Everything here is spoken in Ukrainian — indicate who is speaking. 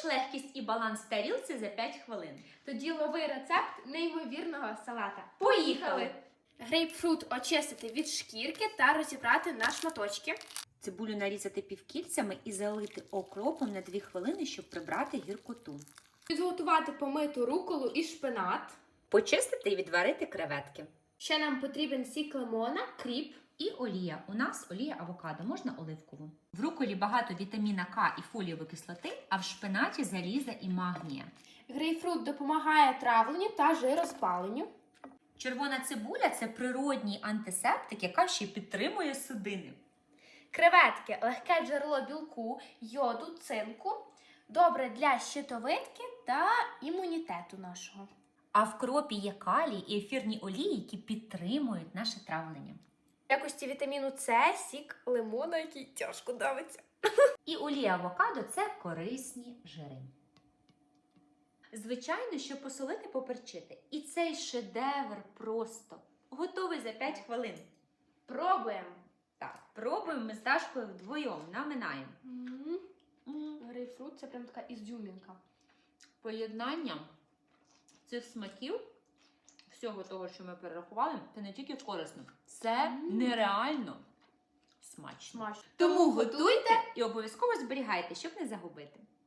Speaker 1: легкість і баланс в тарілці за 5 хвилин.
Speaker 2: Тоді лови рецепт неймовірного салата.
Speaker 1: Поїхали!
Speaker 2: Грейпфрут очистити від шкірки та розібрати на шматочки.
Speaker 1: Цибулю нарізати півкільцями і залити окропом на 2 хвилини, щоб прибрати гіркоту.
Speaker 2: Підготувати помиту руколу і шпинат.
Speaker 1: Почистити і відварити креветки.
Speaker 2: Ще нам потрібен сік лимона, кріп.
Speaker 1: І олія. У нас олія авокадо, можна оливкову. В руколі багато вітаміна К і фолієвої кислоти, а в шпинаті заліза і магнія.
Speaker 2: Грейпфрут допомагає травленню та жироспаленню.
Speaker 1: Червона цибуля – це природній антисептик, яка ще й підтримує судини.
Speaker 2: Креветки – легке джерело білку, йоду, цинку. Добре для щитовидки та імунітету нашого.
Speaker 1: А в кропі є калій і ефірні олії, які підтримують наше травлення.
Speaker 2: В якості вітаміну С сік лимона, який тяжко давиться.
Speaker 1: І олія авокадо – це корисні жири. Звичайно, що посолити, поперчити. І цей шедевр просто готовий за 5 хвилин.
Speaker 2: Пробуємо.
Speaker 1: Так, пробуємо ми з Дашкою вдвоєм, наминаємо.
Speaker 2: Грейпфрут – це прям така ізюмінка.
Speaker 1: Поєднання цих смаків, всього того, що ми перерахували, це не тільки корисно, це нереально смачно.
Speaker 2: Смачно.
Speaker 1: Тому готуйте і обов'язково зберігайте, щоб не загубити.